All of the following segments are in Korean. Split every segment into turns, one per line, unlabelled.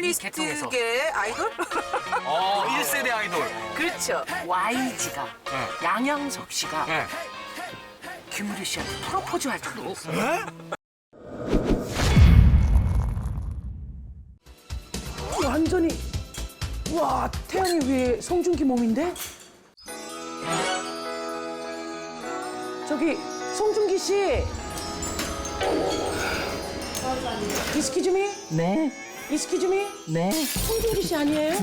스타일리스트계 아이돌?
1세대 아이돌.
그렇죠.
YG가
네.
양양석 씨가
네.
김우리 씨한테 프로포즈 할 적이 있어요. 완전히 와 태양의 위에 송중기 몸인데? 저기 송중기 씨. 이스키즈미?
네,
이스키즈미?
네.
송중기 씨 아니에요?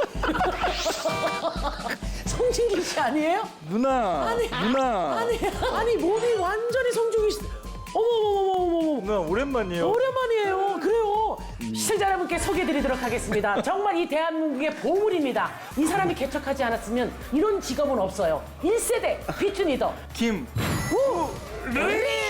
송중기 씨 아니에요?
누나, 누나.
아니 몸이 완전히 송중기 씨. 어머머머머머머.
누나 오랜만이에요.
오랜만이에요. 그래요. 시청자 여러분께 소개해드리도록 하겠습니다. 정말 이 대한민국의 보물입니다. 이 사람이 개척하지 않았으면 이런 직업은 없어요. 1세대 비트 리더
김.
르리.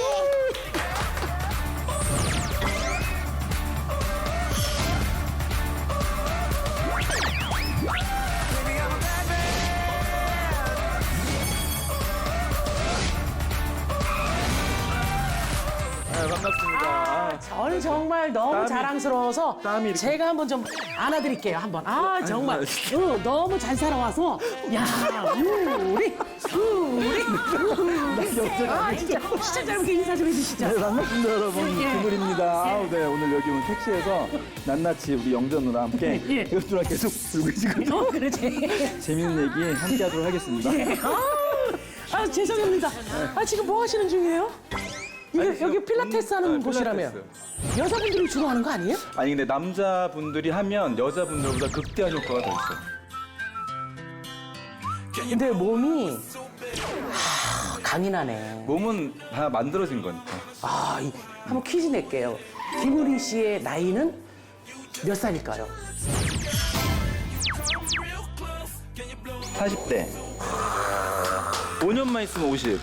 네, 반갑습니다.
저는 정말 너무
땀이-
자랑스러워서
땀이 이렇게-
제가 한번 좀 안아드릴게요. 한번. 정말 너무 잘 살아와서 야 우리 진짜 시청자 여러분께 인사 좀 해주시죠.
네, 반갑습니다, 여러분.
예.
김우리입니다. 네, 오늘 여기 오늘 택시에서 낱낱이 우리 영전 누나 함께
예.
이것 누나 계속 들고 계시거든요.
그렇지.
재밌는 얘기 함께 하도록 하겠습니다.
죄송합니다. 지금 뭐 하시는 중이에요? 이게
아니,
여기 필라테스 하는
네,
곳이라며.
필라테스.
여자분들이 주로 하는 거 아니에요?
아니 근데 남자분들이 하면 여자분들보다 극대화 효과가 더 있어요.
근데 몸이 강인하네.
몸은 다 만들어진 거니까.
한번 퀴즈 낼게요. 김우리 씨의 나이는 몇 살일까요?
40대. 5년만 있으면 50.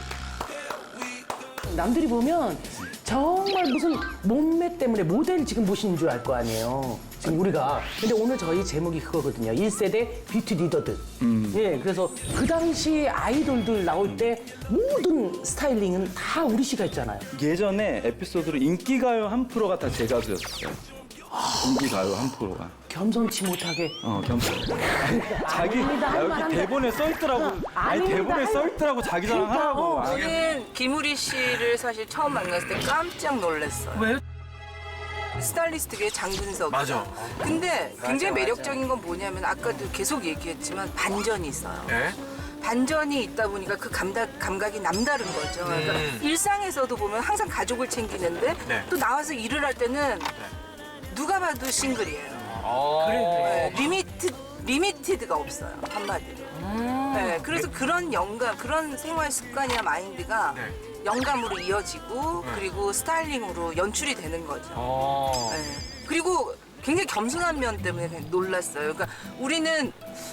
남들이 보면 정말 무슨 몸매 때문에 모델 지금 보시는 줄 알 거 아니에요. 지금 우리가. 근데 오늘 저희 제목이 그거거든요. 1세대 뷰티 리더들. 예, 그래서 그 당시 아이돌들 나올 때 모든 스타일링은 다 우리 씨가 했잖아요.
예전에 에피소드로 인기가요 한 프로가 다 제 가수였어요. 인기가요 한 프로가.
겸손치 못하게.
겸손. 자기
아닙니다. 할
여기
만한데.
대본에 써 있더라고. 아니
아닙니다.
대본에
할
써 있더라고 자기 자랑하라고.
저는 김우리 씨를 사실 처음 만났을 때 깜짝 놀랐어요.
왜요?
스타일리스트계 장근석.
맞아.
근데 굉장히 매력적인 건 뭐냐면 아까도 계속 얘기했지만 반전이 있어요.
네.
반전이 있다 보니까 그 감각이 남다른 거죠. 그러니까 일상에서도 보면 항상 가족을 챙기는데
네.
또 나와서 일을 할 때는 누가 봐도 싱글이에요.
그래.
네, 리미티드가 없어요. 한마디로. 네, 그래서 그런 영감, 그런 생활 습관이나 마인드가
네.
영감으로 이어지고 그리고 스타일링으로 연출이 되는 거죠. 네. 그리고 굉장히 겸손한 면 때문에 그냥 놀랐어요. 그러니까 우리는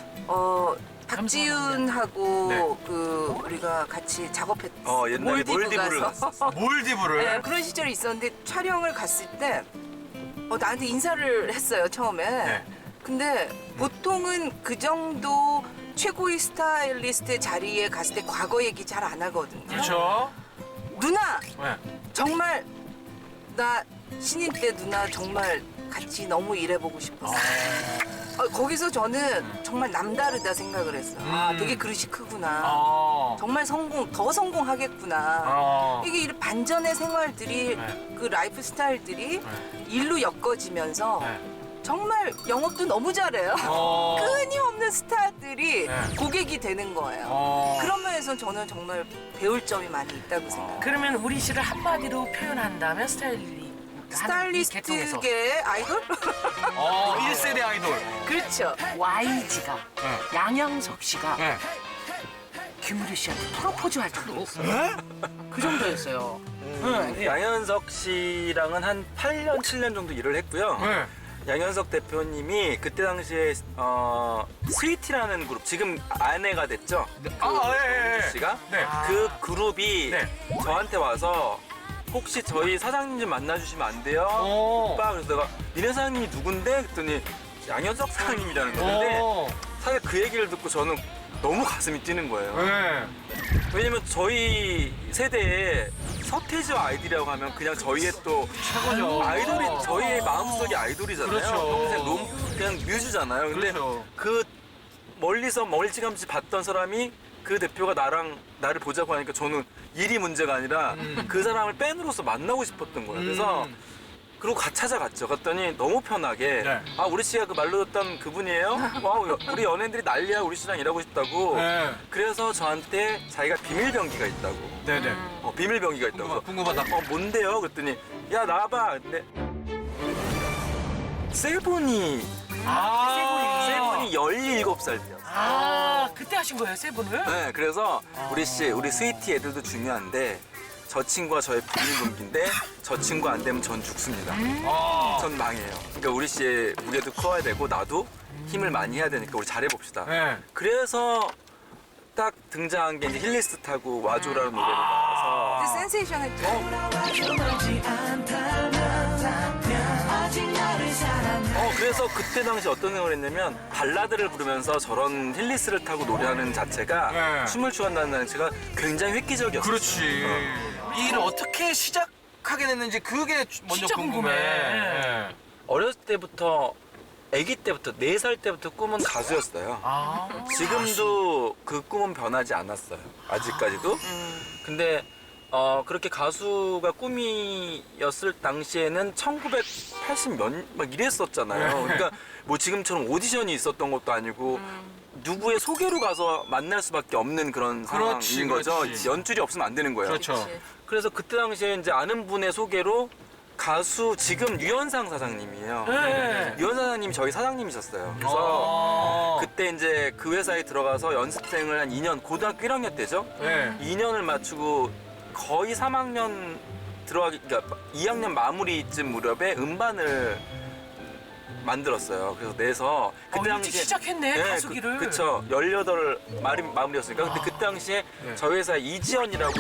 박지윤하고
네.
그 우리가 같이 작업했어.
옛날에 몰디브를
가서.
몰디브를.
네, 그런 시절이 있었는데 촬영을 갔을 때 나한테 인사를 했어요 처음에.
네.
근데 보통은 그 정도 최고의 스타일리스트의 자리에 갔을 때 과거 얘기 잘 안 하거든요.
그렇죠.
누나
네.
정말 나 신인 때 누나 정말 같이 너무 일해보고 싶었어. 거기서 저는 정말 남다르다 생각을 했어요. 되게 그릇이 크구나. 정말 더 성공하겠구나. 이게 이런 반전의 생활들이
네.
그 라이프 스타일들이 일로 엮어지면서
네.
정말 영업도 너무 잘해요. 끊임없는 스타들이
네.
고객이 되는 거예요. 그런 면에서 저는 정말 배울 점이 많이 있다고 생각해요.
그러면 우리 씨를 한마디로 표현한다면
스타일리스트계 아이돌?
1세대 아이돌.
그렇죠.
YG가
네.
양양석 씨가
네.
김우리 씨한테 프로포즈 할 적이 있어요. 그 정도였어요.
양현석 씨랑은 한 8년, 7년 정도 일을 했고요.
네.
양현석 대표님이 그때 당시에 스위티라는 그룹, 지금 아내가 됐죠?
예.
씨가
네.
그 그룹이
네.
저한테 와서 혹시 저희 사장님 좀 만나주시면 안 돼요? 오빠, 그래서 내가 니네 사장님이 누군데? 그랬더니 양현석 사장님이라는 건데 사실 그 얘기를 듣고 저는 너무 가슴이 뛰는 거예요.
네.
왜냐면 저희 세대에 서태지와 아이들이라고 하면 그냥 저희의 또 아이돌이 저희의 마음속의 아이돌이잖아요.
그렇죠.
평생 그냥 뮤즈잖아요. 근데
그렇죠.
그 멀리서 멀찌감치 봤던 사람이 그 대표가 나를 보자고 하니까 저는 일이 문제가 아니라 그 사람을 팬으로서 만나고 싶었던 거예요. 그래서 그리고 찾아갔죠. 갔더니 너무 편하게
네.
아 우리 씨가 그 말로 듣던 그분이에요? 와 우리 연예인들이 난리야 우리 씨랑 일하고 싶다고.
네.
그래서 저한테 자기가 비밀병기가 있다고.
네네.
비밀병기가 있다고.
궁금하다.
뭔데요? 그랬더니 야 나와봐. 근데 세븐이 세븐이 17살 때였어요.
아, 그때 하신 거예요, 세븐을?
네, 그래서 우리 씨, 우리 스위티 애들도 중요한데 저 친구가 저의 비밀병기인데 저 친구 안 되면 전 죽습니다. 전 망해요. 그러니까 우리 씨의 무게도 커야 되고 나도 힘을 많이 해야 되니까 우리 잘해봅시다.
네.
그래서 딱 등장한 게 이제 힐리스 타고 와줘라는 노래를 나와서
근데 센세이션했죠.
그래서 그때 당시 어떤 생각을 했냐면 발라드를 부르면서 저런 힐리스를 타고 노래하는 자체가
네.
춤을 추한다는 자체가 굉장히 획기적이었어요.
그렇지. 이 일을 어떻게 시작하게 됐는지 그게 먼저
진짜
궁금해.
궁금해.
네.
어렸을 때부터 아기 때부터 4살 때부터 꿈은 가수였어요. 지금도 그 꿈은 변하지 않았어요. 아직까지도. 근데 그렇게 가수가 꿈이었을 당시에는 1980몇 막 이랬었잖아요. 그러니까 뭐 지금처럼 오디션이 있었던 것도 아니고 누구의 소개로 가서 만날 수밖에 없는 그런
그렇지,
상황인 거죠.
그렇지.
연줄이 없으면 안 되는 거예요.
그렇죠.
그치.
그래서 그때 당시에 이제 아는 분의 소개로 가수 지금 유현상 사장님이에요.
네.
유현상 사장님이 저희 사장님이셨어요. 그래서 그때 이제 그 회사에 들어가서 연습생을 한 2년, 고등학교 1학년 때죠.
네.
2년을 마치고 거의 3학년 그러니까 2학년 마무리쯤 무렵에 음반을 만들었어요. 그래서 내서 그때
일찍 시작했네, 가수기를.
그쵸. 18 마무리였으니까. 근데 그때 당시에 저희 회사에 이지연이라고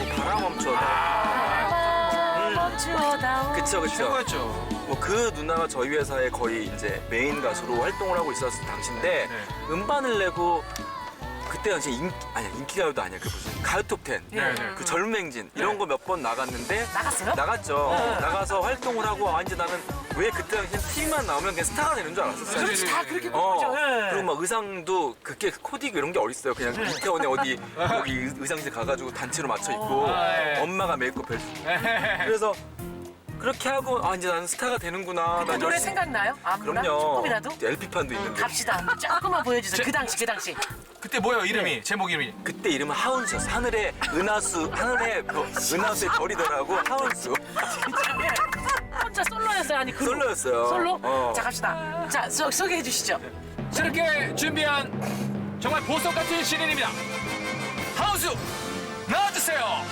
멈추어다오.
그쵸.
최고였죠.
뭐 그 누나가 저희 회사에 거의 이제 메인 가수로 활동을 하고 있었을 당시인데 음반을 내고 그때 당시 인기가요도 아니야. 그 무슨 가요 톱10
네.
그 젊은 행진 이런 거 몇 번 나갔는데
나갔어요?
나갔죠. 나가서 활동을 하고 이제 나는 왜 그때 당시엔 TV만 나오면 그냥 스타가 되는 줄 알았었어요.
그렇지, 다 그렇게 꿈꾸죠. 예.
그리고 막 의상도 그게 코디고 이런 게 어딨어요. 그냥 이태원에 어디 여기 의상실 가가지고 단체로 맞춰 입고
네.
엄마가 메이크업 해주고 그래서 그렇게 하고 이제 나는 스타가 되는구나.
그
난
노래
열심히-
생각나요? 아무나?
그럼요.
조금이라도?
LP판도 있는데.
갑시다. 조금만 보여주세요. 그 당시.
그때 뭐예요 이름이? 제목 이름이?
그때 이름은 하운스였어. 하늘의 은하수, 은하수의 별이더라고. 하운수.
혼자 솔로였어요? 아니, 그룹?
솔로였어요.
솔로? 자, 갑시다. 자, 소개해 주시죠.
새롭게 준비한 정말 보석 같은 시즌입니다. 하우스 나와주세요.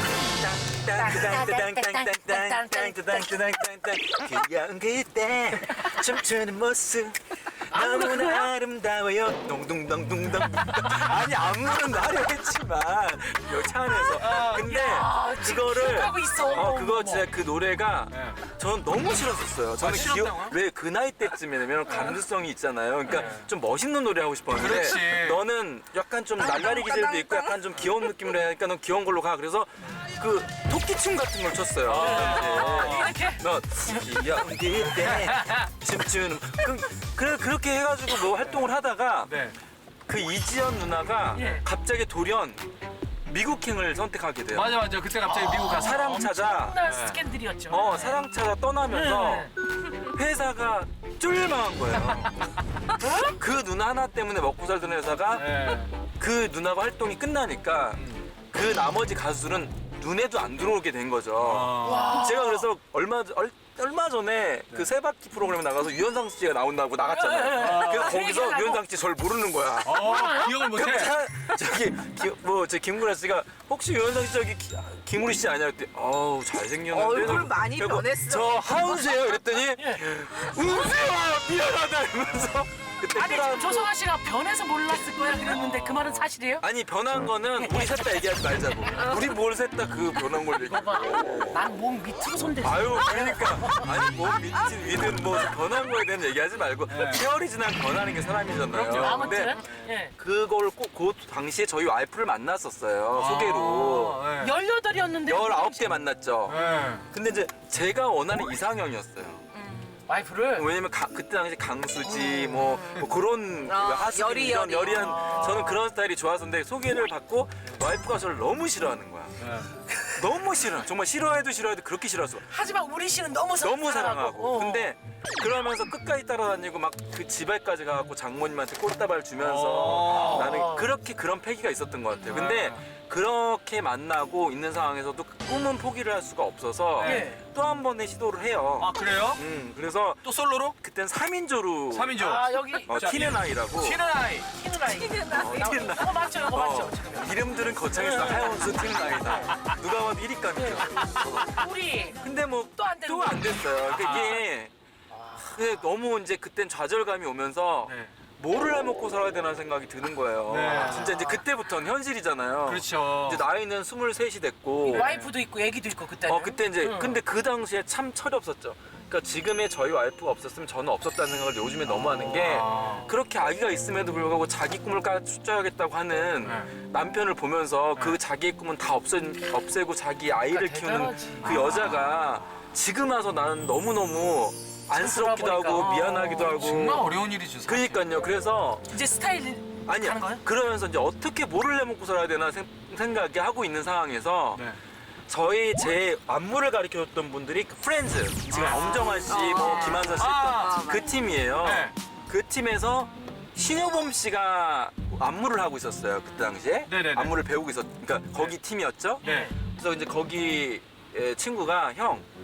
귀여운 그때 춤추는 모습 너무나 아름다워요. 동동동동동. 아니 안무는 나를 했지만 차 안에서. 근데 그거를
하고 있어.
그거 진짜 그 노래가 저는 너무 싫었었어요. 저는
싫었다고요?
왜 그 나이 때쯤이면 감수성이 있잖아요. 그러니까 좀 멋있는 노래 하고 싶었는데
그렇지.
너는 약간 좀 날라리 기질도 있고 약간 좀 귀여운 느낌으로 하니까 넌 귀여운 걸로 가. 그래서 그 토끼춤 같은 걸 췄어요.
이렇게?
너 귀여운 그때 춤추는 그렇게 해가지고 뭐 활동을 하다가
네.
그 이지연 누나가
예.
갑자기 돌연 미국행을 선택하게 돼요.
맞아. 그때 갑자기 미국 가서
사랑 찾아.
엄청난 스캔들이었죠.
사랑 찾아 떠나면서 회사가 쫄망한 거예요. 그 누나 하나 때문에 먹고 살던 회사가
네.
그 누나가 활동이 끝나니까 그 나머지 가수들은 눈에도 안 들어오게 된 거죠. 제가 그래서 얼마 전에 그 세바퀴 프로그램에 나가서 유현상 씨가 나온다고 나갔잖아요. 그래서 거기서 유현상 씨 저를 모르는 거야.
기억을 못해.
저 김구라 씨가 혹시 유현상 씨 저기 김우리 씨 아니야? 그랬더니 어우 잘생겼는데
얼굴 많이
그리고
변했어.
저 하운스예요? 그랬더니 은수야 미안하다 이러면서 그때
아니,
끌어안고
지금 조성아 씨가 변해서 몰랐을 거야 그랬는데 그 말은 사실이에요?
아니 변한 거는 우리 셋 다 얘기하지 말자고. 우리 뭘 셋 다 그 변한 걸 얘기해.
난 몸 밑으로 손댔어.
아유 그러니까 아니 뭐 미친 위든 뭐 변한 거에 대한 얘기하지 말고 세월이 지나면 변하는 게 사람이잖아요. 근데
아무튼 예.
그걸 꼭 그 당시에 저희 와이프를 만났었어요. 소개로.
네.
18이었는데
19대 만났죠.
네.
근데 이제 제가 원하는 이상형이었어요.
와이프를
왜냐면 그때 당시 강수지 뭐 그런 하수빈
여리,
이런
여리.
여리한 저는 그런 스타일이 좋았었는데 소개를 받고 와이프가 저를 너무 싫어하는 거야. 너무 싫어. 정말 싫어해도 그렇게 싫어했어.
하지만 우리 씨는 너무
사랑하고.
어.
근데 그러면서 끝까지 따라다니고 막 그 집에까지 가갖고 장모님한테 꽃다발 주면서 나는 그렇게 그런 패기가 있었던 것 같아요. 근데 그렇게 만나고 있는 상황에서도 꿈은 포기를 할 수가 없어서
네.
또 한 번의 시도를 해요.
아 그래요?
그래서
또 솔로로?
그땐 3인조로
3인조.
아 여기
티는 아이라고
티는 아이.
티누라이
티는 아이.
이거 맞죠 이거 맞죠 지금
이름들은 거창했어. 하연수 티는 아이다. 누가 봐도 1위감이죠.
우리
근데 뭐
또안 되는
또 안 됐어요. 그게 근데 너무 이제 그땐 좌절감이 오면서
네.
뭐를 해먹고 살아야 되나 생각이 드는 거예요.
네.
진짜 이제 그때부터는 현실이잖아요.
그렇죠.
이제 나이는 23이 됐고
와이프도 있고 애기도 있고 그때는
그때 이제 근데 그 당시에 참 철이 없었죠. 그러니까 지금의 저희 와이프가 없었으면 저는 없었다는 생각을 요즘에 너무 하는 게 그렇게 아기가 있음에도 불구하고 자기 꿈을 쫓아야겠다고 하는 남편을 보면서 그 자기의 꿈은 다 없애고 자기 아이를
그러니까
키우는
대단하지.
그 여자가 지금 와서 나는 너무너무 안쓰럽기도 하고
돌아보니까.
미안하기도 하고
정말 어려운 일이죠. 사실.
그러니까요. 그래서
이제 스타일
아니
가는 거예요?
그러면서 이제 어떻게 뭐를 해먹고 살아야 되나 생각이 하고 있는 상황에서
네.
제 안무를 가르쳐줬던 분들이 그 프렌즈 지금 엄정화 씨, 뭐 김한선 씨 했던 그 팀이에요.
네.
그 팀에서 신효범 씨가 안무를 하고 있었어요. 그때 당시에
네네네.
안무를 배우고 그러니까 거기 팀이었죠.
네.
그래서 이제 거기 친구가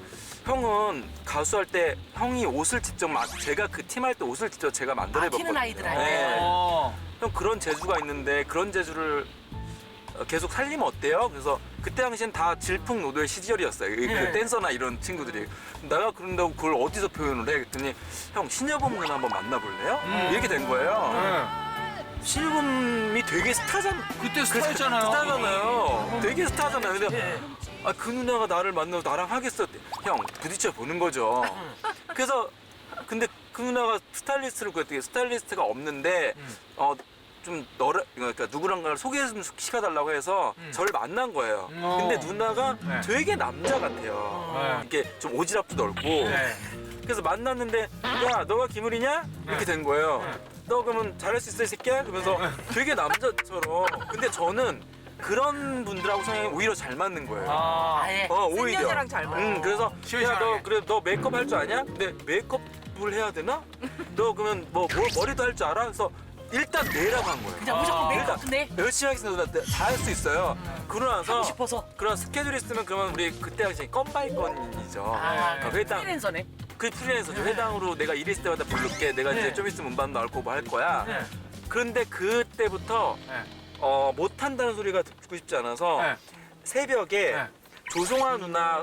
형은 가수할 때 형이 옷을 직접 제가 그 팀 할 때 옷을 직접 제가 만들어봤거든요.
티는 아이들 할 때.
네.
어.
형 그런 재주가 있는데 그런 재주를 계속 살리면 어때요? 그래서 그때 당시엔 다 질풍노도의 시절이었어요. 그 댄서나 이런 친구들이. 내가 그런다고 그걸 어디서 표현을 해? 그랬더니 형 신여범 누나 한번 만나볼래요? 이렇게 된 거예요.
네.
신여범이 되게 스타잖아요.
그때 스타였잖아요.
스타잖아요. 되게 스타잖아요. 근데 그 누나가 나를 만나고 나랑 하겠어. 형 부딪혀 보는 거죠. 그래서 근데 그 누나가 스타일리스트를 구했더니 스타일리스트가 없는데 좀 그러니까 누구랑가를 소개 좀 시켜달라고 해서 저를 만난 거예요. 근데 누나가
네.
되게 남자 같아요. 이렇게 좀 오지랖도 넓고.
네.
그래서 만났는데 야 너가 김우리냐? 이렇게 된 거예요. 너 그러면 잘할 수 있어 이 새끼야? 그러면서 되게 남자처럼. 근데 저는 그런 분들하고 성향이 오히려 잘 맞는 거예요.
아예
오히려.
여자랑 잘 맞아.
그래서
시원시원하게.
야 너 그래 너 메이크업 할 줄 아냐? 근데 메이크업을 해야 되나? 너 그러면 뭐 머리도 할 줄 알아? 그래서 일단 내라고 한 거예요.
그냥 무조건 메이크업 네
열심히 하겠습니다. 다 할 수 있어요. 그러고 나서
하고 싶어서
그런 스케줄이 있으면 그러면 우리 그때 당시 건 바이 건이죠. 그러니까 회당
프리랜서네
그 프리랜서죠. 회당으로 내가 일 있을 때마다 부를게. 내가 이제 좀 있으면 음반 나올 거고 할 거야. 그런데 그때부터 못한다는 소리가 듣고 싶지 않아서 새벽에 조성아 누나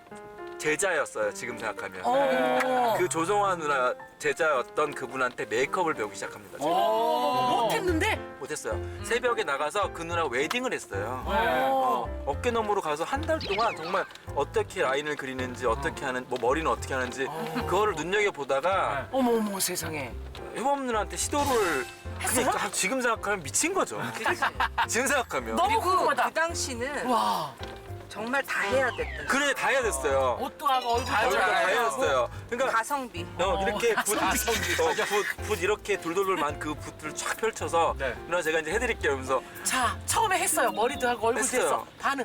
제자였어요. 지금 생각하면. 그 조성아 누나 제자였던 그분한테 메이크업을 배우기 시작합니다. 제가.
못했는데
못했어요. 새벽에 나가서 그 누나가 웨딩을 했어요. 어깨 너머로 가서 한 달 동안 정말 어떻게 라인을 그리는지 어떻게 하는 뭐 머리는 어떻게 하는지 그거를 눈여겨 보다가
어머 세상에
효범 누나한테 시도를 그러니까 지금 생각하면 미친 거죠. 지금 생각하면
너무
그리고
궁금하다
그 당시는
와
정말 다 해야 됐던.
그래 다 해야 됐어요.
옷도 하고 얼굴도
다 해야
하고
됐어요. 그러니까
가성비.
이렇게 붓 이렇게 돌돌돌만 그 붓을 쫙 펼쳐서
네.
누나 제가 이제 해드릴게요. 그러면서
자 처음에 했어요 머리도 하고 얼굴도
했어요.
했어 반응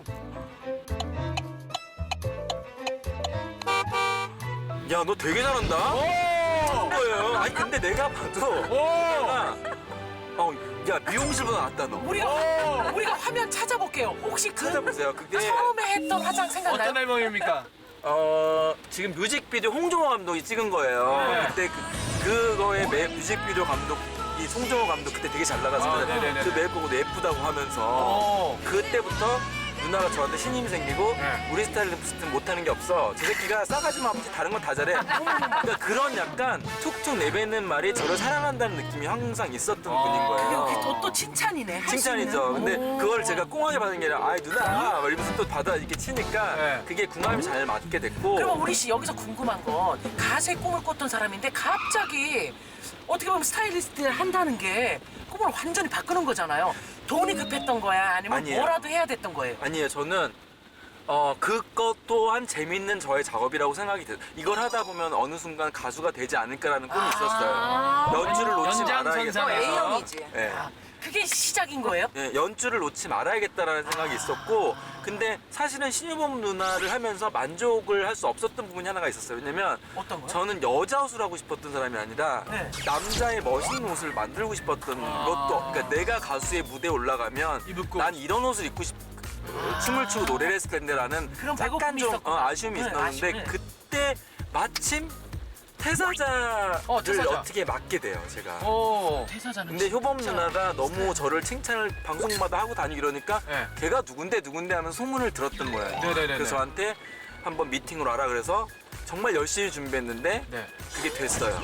야 너 되게 잘한다. 한 거예요. 아니 근데 내가 봐도 내가 야 미용실보다 낫다 너.
우리가 화면 찾아볼게요 혹시 그
찾아보세요. 그게
처음에 했던 화장 생각나요?
어떤 앨범입니까?
지금 뮤직비디오 홍종호 감독이 찍은 거예요. 그때 그거의 뮤직비디오 감독이 송정호 감독 그때 되게 잘 나갔어요.
네네네.
그 메이크업도 예쁘다고 하면서 그때부터 누나가 저한테 신임이 생기고 우리 스타일리스트는 못하는 게 없어. 저 새끼가 싸가지만 아버지 다른 건 다 잘해. 그러니까 그런 약간 툭툭 내뱉는 말이 저를 사랑한다는 느낌이 항상 있었던 분인 거예요.
그게 또 칭찬이네 할 수
칭찬이죠.
있는.
근데
오.
그걸 제가 꽁하게 받은 게 아니라 아이 누나 막 이러면서 또 받아 이렇게 치니까
네.
그게 궁합이 잘 맞게 됐고
그러면 우리 씨 여기서 궁금한 건 가수의 꿈을 꿨던 사람인데 갑자기 어떻게 보면 스타일리스트 한다는 게 꿈을 완전히 바꾸는 거잖아요. 돈이 급했던 거야? 아니면
아니에요.
뭐라도 해야 됐던 거예요?
아니에요. 저는 그것 또한 재밌는 저의 작업이라고 생각이 들어요. 이걸 하다 보면 어느 순간 가수가 되지 않을까라는 꿈이 있었어요. 연주를 놓지
연장선상.
말아야겠다.
A형이지.
예.
아, 그게 시작인 거예요?
예, 연주를 놓지 말아야겠다라는 생각이 있었고, 근데 사실은 신유범 누나를 하면서 만족을 할 수 없었던 부분이 하나가 있었어요. 왜냐면
어떤 거요?
저는 여자 옷을 하고 싶었던 사람이 아니라
네.
남자의 멋있는 옷을 만들고 싶었던 것도, 그러니까 내가 가수의 무대에 올라가면
입고.
난 이런 옷을 입고 춤을 추고 노래를 했을 텐데라는
그런
약간
배고픔이
좀
있었구나.
아쉬움이
네,
있었는데
아쉬움.
그때 마침 태사자를
태사자.
어떻게 맡게 돼요, 제가.
오.
퇴사자는
근데 효범
진짜
누나가 너무 저를 칭찬을 방송마다 하고 다니고 이러니까
네.
걔가 누군데 하면서 소문을 들었던 거예요.
네네네네.
그래서 저한테 한번 미팅으로 하라 그래서 정말 열심히 준비했는데
네.
그게 됐어요.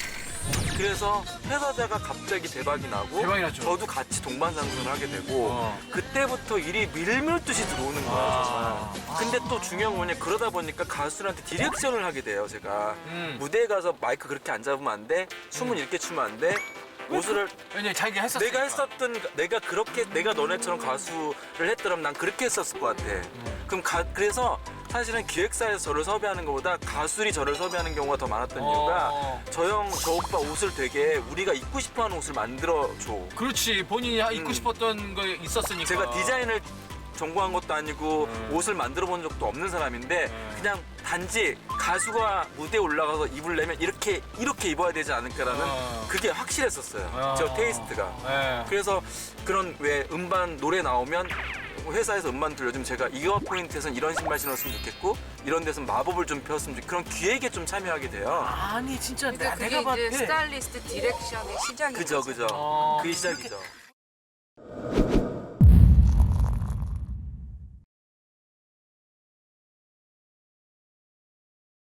그래서 회사자가 갑자기 대박이 나고
대박이 났죠.
저도 같이 동반상승을 하게 되고 그때부터 일이 밀물듯이 들어오는 거예요, 정말. 근데 또 중요한 건 뭐냐, 그러다 보니까 가수들한테 디렉션을 하게 돼요, 제가. 무대에 가서 마이크 그렇게 안 잡으면 안 돼, 춤은 이렇게 추면 안 돼, 옷을
왜냐면 자기가 했었으니까.
내가 했었던, 내가 그렇게, 내가 너네처럼 가수를 했더라면 난 그렇게 했었을 것 같아. 그럼 그래서 사실은 기획사에서 저를 섭외하는 것보다 가수들이 저를 섭외하는 경우가 더 많았던 이유가 저 형, 저 오빠 옷을 되게 우리가 입고 싶어 하는 옷을 만들어줘.
그렇지. 본인이 입고 싶었던 거 있었으니까.
제가 디자인을 전공한 것도 아니고 옷을 만들어 본 적도 없는 사람인데 그냥 단지 가수가 무대에 올라가서 입으려면 이렇게 입어야 되지 않을까라는 그게 확실했었어요. 저 테이스트가.
네.
그래서 그런 왜 음반 노래 나오면 회사에서 음반 들려주면 제가 이거 포인트에서는 이런 신발 신었으면 좋겠고 이런 데서는 마법을 좀 폈으면 좋겠고 그런 기획에 좀 참여하게 돼요.
아니 진짜
그러니까 그게
내가 봤을
이제
때
스타일리스트 디렉션의 시작이죠.
그죠. 그게 시작이죠.